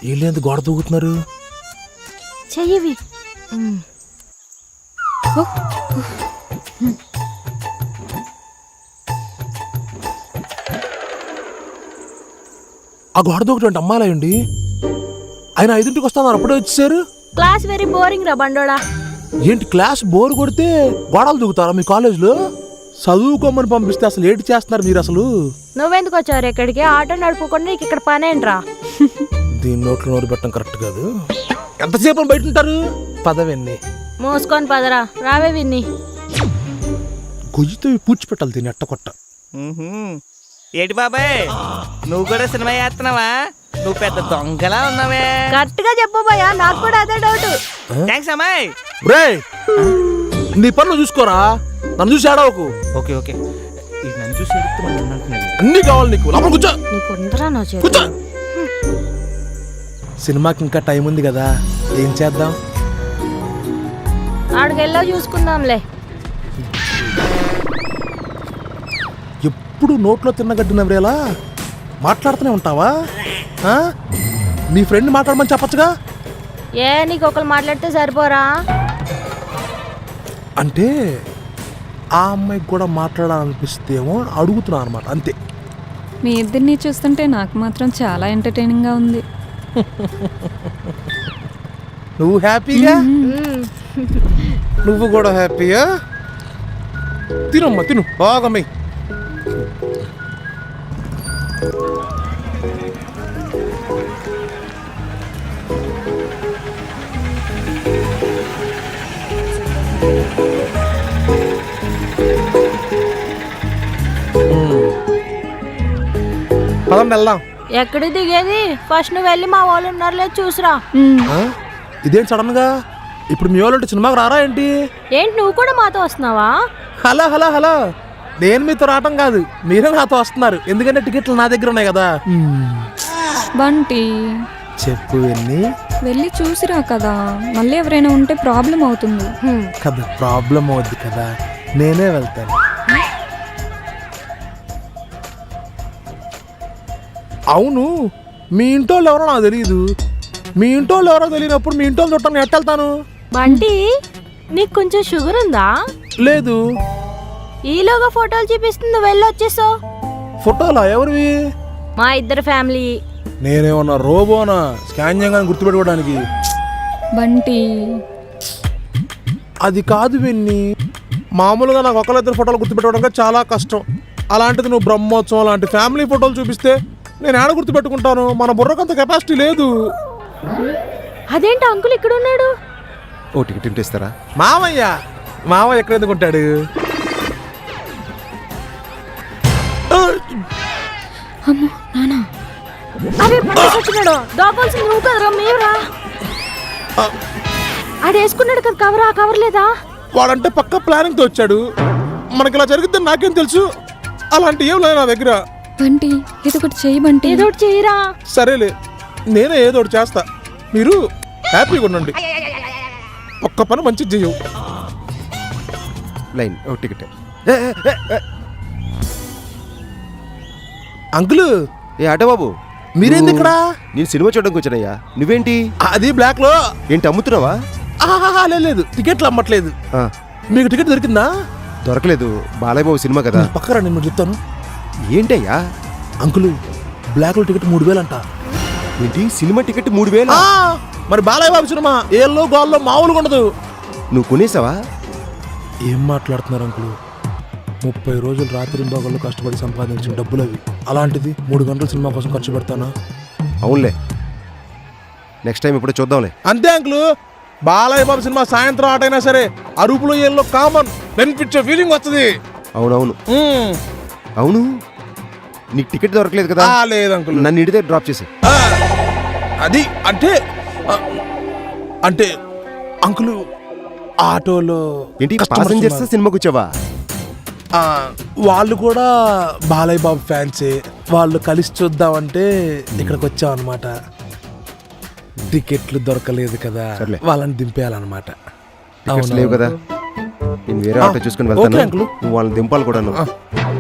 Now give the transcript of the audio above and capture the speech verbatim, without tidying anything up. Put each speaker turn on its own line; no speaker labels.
వీళ్ళేంది గోడ దూకుతున్నారు?
చెయ్యవి.
ఆ గోడ దూకటం అమ్మాలండి. ఆయన ఐదింటికి వస్తున్నారు, అప్పుడే వచ్చేసారు.
క్లాస్ వెరీ బోరింగ్ రా బండోడా.
ఏంటి క్లాస్ బోర్ కొడితే గోడలు దూకుతారా మీ కాలేజ్లో? చదువుకోమని పంపిస్తే అసలు ఏంటి చేస్తున్నారు మీరు అసలు?
నువ్వెందుకు వచ్చారు ఇక్కడికి? ఆటో నడుపుకుండా నీకు ఇక్కడ పనేంట్రా?
దీని నోట్లో నోరు పెట్టడం కరెక్ట్ కాదు. ఎంతసేపు బయట ఉంటారు? పదవన్నీ
మోసుకొని పదరా. రావే విన్ని.
గొయ్యితో పూడ్చి పెట్టాలి దీన్ని ఎట్ట కొట్ట.
ఏంటి బాబాయ్, నువ్వు కూడా సినిమా చేస్తున్నావా? నువ్వు పెద్ద దొంగలా ఉన్నావే.
కరెక్ట్ గా చెప్పు భయ్యా, నాకు కూడా అదే డౌట్.
థ్యాంక్స్ అమ్మాయి.
రే నీ పనులు చూసుకోరా, నన్ను చూసి ఆడవకు.
ఓకే ఓకే, నన్ను చూసి
అన్ని కావాలి నీకు. లోపల కూర్చో.
నీకుందరా నా చేతి.
కూర్చో. సినిమాకి ఇంకా టైం ఉంది కదా, ఏం చేద్దాం?
ఆడికెళ్ళా చూసుకుందాంలే.
ఎప్పుడు నోట్లో తిన్నగడ్డి నవ్వేలా మాట్లాడుతూనే ఉంటావా? నీ ఫ్రెండ్ మాట్లాడమని చెప్పచ్చుగా.
ఏ నీకు ఒకరు మాట్లాడితే సరిపోరా?
అంటే ఆ అమ్మాయికి కూడా మాట్లాడాలనిపిస్తేమో అడుగుతున్నా అనమాట, అంతే.
మీ ఇద్దరిని చూస్తుంటే నాకు మాత్రం చాలా ఎంటర్టైనింగ్ గా ఉంది.
నువ్వు హ్యాపీగా? నువ్వు కూడా హ్యాపీయా? తినమ్మా, తిను బాగా. మీ పదం వెళ్దాం.
ఎక్కడికి దిగేది? ఫస్ట్ నువ్వు వెళ్ళి మా వాళ్ళు ఉన్నారు లేదు చూసిరా.
ఇదేం సడన్ గా? ఇప్పుడు మీ వాళ్ళు సినిమాకి రారా ఏంటి?
ఏంటి నువ్వు కూడా మాతో వస్తున్నావా?
హలో హలో హలో, నేను మీతో రావటం కాదు, మీరే నాతో వస్తున్నారు. ఎందుకంటే టికెట్లు నా దగ్గర ఉన్నాయి కదా.
బంటి
చెప్పు వెళ్ళి
వెళ్ళి చూసిరా కదా, మళ్ళీ ఎవరైనా ఉంటే ప్రాబ్లం అవుతుంది
కదా. ప్రాబ్లం అవుద్ది కదా, నేనే వెళ్తాను. అవును, మీ ఇంటోళ్ళు ఎవరో నాకు తెలియదు. మీ ఇంటోళ్ళు ఎవరో తెలియనప్పుడు మీ ఇంటోళ్ళు చుట్టాను ఎట్ట వెళ్తాను?
బంటి నీకు కొంచెం షుగర్ ఉందా?
లేదు.
ఈలోగా ఫోటోలు చూపిస్తుంది, వెళ్ళి వచ్చేసావు.
ఫోటోలా? ఎవరివి?
మా ఇద్దరు ఫ్యామిలీ.
నేనేమన్నా రోబోనా స్కాన్ చేయగానే గుర్తుపెట్టుకోవడానికి?
బంటి
అది కాదు విన్ని, మామూలుగా నాకు ఒకళ్ళిద్దరు ఫోటోలు గుర్తుపెట్టుకోవడానికి చాలా కష్టం. అలాంటిది నువ్వు బ్రహ్మోత్సవం లాంటి ఫ్యామిలీ ఫోటోలు చూపిస్తే నేను ఆడ గుర్తుపెట్టుకుంటాను? మన బుర్రకంత కెపాసిటీ లేదు.
అదేంటి అంకుల్ ఇక్కడ ఉన్నాడు?
ఓ టికెట్ ఇస్తారా?
మామయ్య మామయ్య ఎక్కడ ఎందుకుంటాడు?
అమ్మో నానా,
అరే వచ్చినాడు. దాపాల్సింది నువ్వు కదరా, మేవురా. ఆడు వేసుకున్నాడు కదా కవర్, ఆ కవర్ లేదా?
వాడంటే పక్క ప్లానింగ్ తో వచ్చాడు. మనకి ఇలా జరుగుతుంది నాకేం తెలుసు? అలాంటి ఏం లేదు నా దగ్గర.
బంటి ఏదో ఒకటి చెయ్యి బంటి.
ఏదో ఒకటి చెయ్యరా.
సరేలే, నేనే ఏదో ఒకటి చేస్తా, మీరు హ్యాపీగా ఉండండి. ఒక్క పని మంచిది చెయ్యవు.
లైన్ ఓ టికెట్.
అంకుల్,
ఏ ఆటో బాబు,
మీరేంది ఇక్కడ?
నేను సినిమా చూడడానికి వచ్చానయ్యా, నువ్వేంటి?
అది బ్లాక్ లో.
ఏంటి అమ్ముతున్నావా?
లేదు, టికెట్లు అమ్మట్లేదు. మీకు టికెట్ దొరికిందా?
దొరకలేదు. బాలయ్య బాబు సినిమా కదా.
పక్కరా, నేను చెప్తాను.
ఏంటయ్యా?
అంకుల్, బ్లాక్ లో టికెట్ మూడు వేలు అంట.
ఏంటి సినిమా టికెట్ మూడు వేలు?
మరి బాలయ్య బాబు సినిమా ఏళ్ళలో గోల్లో మామూలుగా ఉండదు.
నువ్వు కొనేసావా?
ఏం మాట్లాడుతున్నారు అంకుల్? ముప్పై రోజులు రాత్రి బాగోళ్ళు కష్టపడి సంపాదించిన డబ్బులు అవి. అలాంటిది మూడు గంటల సినిమా కోసం ఖర్చు పెడతానా?
అవునులే, నెక్స్ట్ టైం ఇప్పుడు చూద్దాంలే.
అంతే అంకుల్, బాలయ్య బాబు సినిమా సాయంత్రం ఆటైనా సరే అరుపులో ఏళ్ళలో కామన్ బెనిఫిట్ ఫీలింగ్ వస్తుంది.
అవునవును. అవును, నీకు టికెట్ దొరకలేదు కదా?
లేదు అంకుల్,
నన్ను ఇంటి దగ్గర డ్రాప్ చేసి.
అది అంటే అంటే అంకుల్ ఆటోలో
ఏంటి ప్యాసింజర్స్ సినిమాకి వచ్చావా?
వాళ్ళు కూడా బాలయ్య బాబు ఫ్యాన్సే. వాళ్ళు కలిసి చూద్దామంటే ఇక్కడికి వచ్చాం అనమాట. టికెట్లు దొరకలేదు కదా, వాళ్ళని దింపేయాలన్నమాట.
లేవు కదా, నేను వేరే ఆటో చూసుకుని వెళ్తాను, నువ్వు వాళ్ళని దింపాలి కూడా.